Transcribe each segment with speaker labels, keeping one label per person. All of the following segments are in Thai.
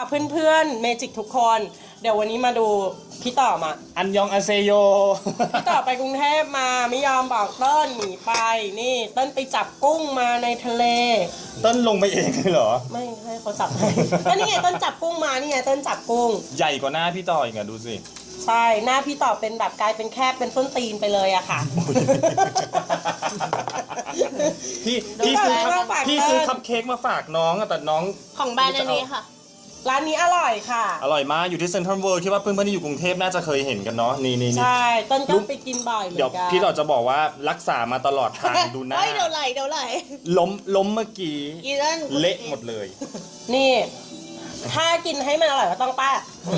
Speaker 1: เพื่อนๆเมจิกทุกคนเดี๋ยววันนี้มาดูพี่ต่อมา
Speaker 2: อันยองอาเซโย
Speaker 1: พี่ต่อไปกรุงเทพมาไม่ยอมบอกเติ้ลหนีไปนี่เติ้ลไปจับกุ้งมาในทะเล
Speaker 2: เติ้ลลงไปเองเลยเหรอ
Speaker 1: ไม่ให้เขาจับให้ก็นี่ไงเติ้ลจับกุ้งมานี่ไงเติ้ลจับกุ้ง
Speaker 2: ใหญ่กว่าหน้าพี่ต่ออีกอะดูสิ
Speaker 1: ใช่หน้าพี่ต่อเป็นแบบกลายเป็นแคบเป็นส้นตีนไปเลยอะค่ะ
Speaker 2: พี่ซื้อคัพเค้กมาฝากน้องแต่น้อง
Speaker 3: ของแบรนด์อันนี้ค่ะ
Speaker 1: ร้านนี้อร่อยค่ะ
Speaker 2: อร่อยมากอยู่ที่เซ็นทรัลเวิลด์คิดว่าเพื่อนๆที่อยู่กรุงเทพน่าจะเคยเห็นกันเนาะนี่
Speaker 1: ใช่ต้นก็ไปกินบ่อยเหมือนกัน
Speaker 2: เดี๋ยวพี่ต่อจะบอกว่ารักษามาตลอดทางดูหน้า
Speaker 3: เดี๋ยวไหล
Speaker 2: ล้มเมื่อกี้เละหมดเลย
Speaker 1: นี่ถ้ากินให้มันอร่อยก็ต้องป้า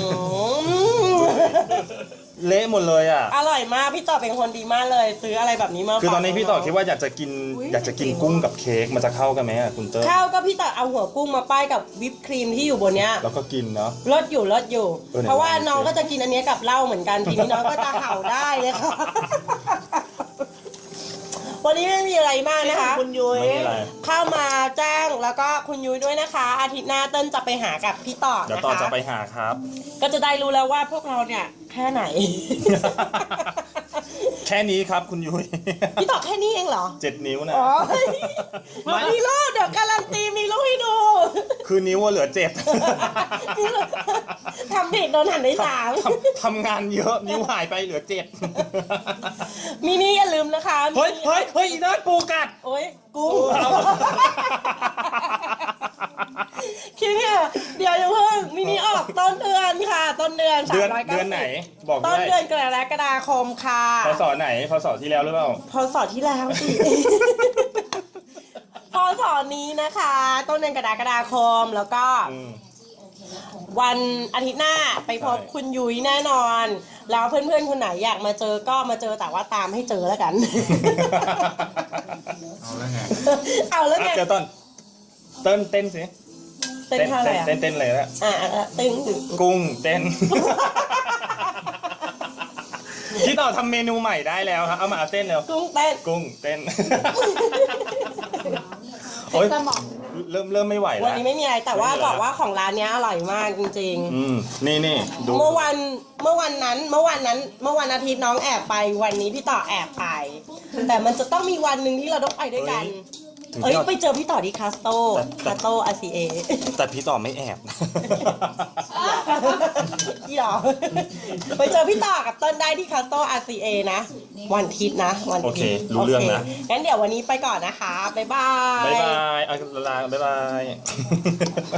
Speaker 2: เละหมดเลยอ่ะ
Speaker 1: อร่อยมากพี่ต่อเป็นคนดีมากเลยซื้ออะไรแบบนี้มา
Speaker 2: คือตอนนี้พี่ต่อคิดว่าอยากจะกินกุ้งกับเค้กมันจะเข้ากันไหมอ่ะคุณเติ้ล
Speaker 1: เข้าก็พี่ต่อเอาหัวกุ้งมาป้ายกับวิปครีมที่อยู่บนเนี้ย
Speaker 2: แล้วก็กินเนาะ
Speaker 1: รสอยู่เพราะว่าน้องก็จะกินอันนี้กับเหล้าเหมือนกันทีนี้น้องก็จะเห่าได้เลยค่ะวันนี้ไม่มีอะไรมากนะคะ
Speaker 3: คุณยุ้ย
Speaker 1: เข้ามาแจ้งแล้วก็คุณยุ้ยด้วยนะคะอาทิตย์หน้าเติ้ลจะไปหากับพี่ต่อนะคะ
Speaker 2: เดี๋ยวต่อจะไปหาครับ
Speaker 1: ก็จะได้รู้แล้วว่าพวกเราเนี่ยแค่ไหน
Speaker 2: แค่นี้ครับคุณยุ้ย
Speaker 1: พี่ต่อแค่นี้เองเหรอ
Speaker 2: 7 นิ้วนะ
Speaker 1: มีลูกเดี๋ยวการันตีมีลูกให้ดู
Speaker 2: คือนิ้วเหลือ7
Speaker 1: ทำผิดโดนหันได้3
Speaker 2: ทำงานเยอะนิ้วหายไปเหลือ7
Speaker 1: มินี่อย่าลืมนะคะ
Speaker 2: เฮ้ยอีนั่นปูกัด
Speaker 1: โอ้ยกุ้งคิดเนี่ยเดี๋ยวอย่าเพิ่งมินิออกต้นเดือนค่ะต้นเดือน390
Speaker 2: เดือนไหนบอก
Speaker 1: ต้นเดือนกรกฎาคมค่ะ
Speaker 2: พศไหนพศที่แล้วหรือเปล่า
Speaker 1: พศที่แล้วสิพศนี้นะคะต้นเดือนกรกฎาคมแล้วก็วันอาทิตย์หน้าไปพบคุณยุ้ยแน่นอนแล้วเพื่อนๆคนไหนอยากมาเจอก็มาเจอแต่ว่าตามให้เจอแล้วกันเอาแล้วไง
Speaker 2: เดี๋ยวเต้นสิ
Speaker 1: เต้นท่าอะไรอ่ะ
Speaker 2: เต้นเลยละ
Speaker 1: เต้น
Speaker 2: กุ้งเต้นพี่ต่อทำเมนูใหม่ได้แล้วครับเอามาเต้นเร็ว
Speaker 1: กุ้งเต้น
Speaker 2: โอ๊ยเริ่มไม่ไหวแล้ว
Speaker 1: วันนี้ไม่มีอะไรแต่ว่าบอกว่าของร้านนี้อร่อยมากจริง
Speaker 2: ๆนี่ดู
Speaker 1: เมื่อวันอาทิตย์น้องแอบไปวันนี้พี่ต่อแอบไปแต่มันจะต้องมีวันหนึ่งที่เราต้องไปด้วยกันไปเจอพี่ต่อที่คาสโตRCA
Speaker 2: แต่พี่ต่อไม่แอบ
Speaker 1: พี่ต่อไปเจอพี่ต่อกับต้นได้ที่คาสโตRCA นะวันอาทิตย์นะวันอาทิตย์
Speaker 2: โอเครู้เรื่องนะ
Speaker 1: งั้นเดี๋ยววันนี้ไปก่อนนะคะบ๊ายบาย
Speaker 2: ลาบ๊ายบาย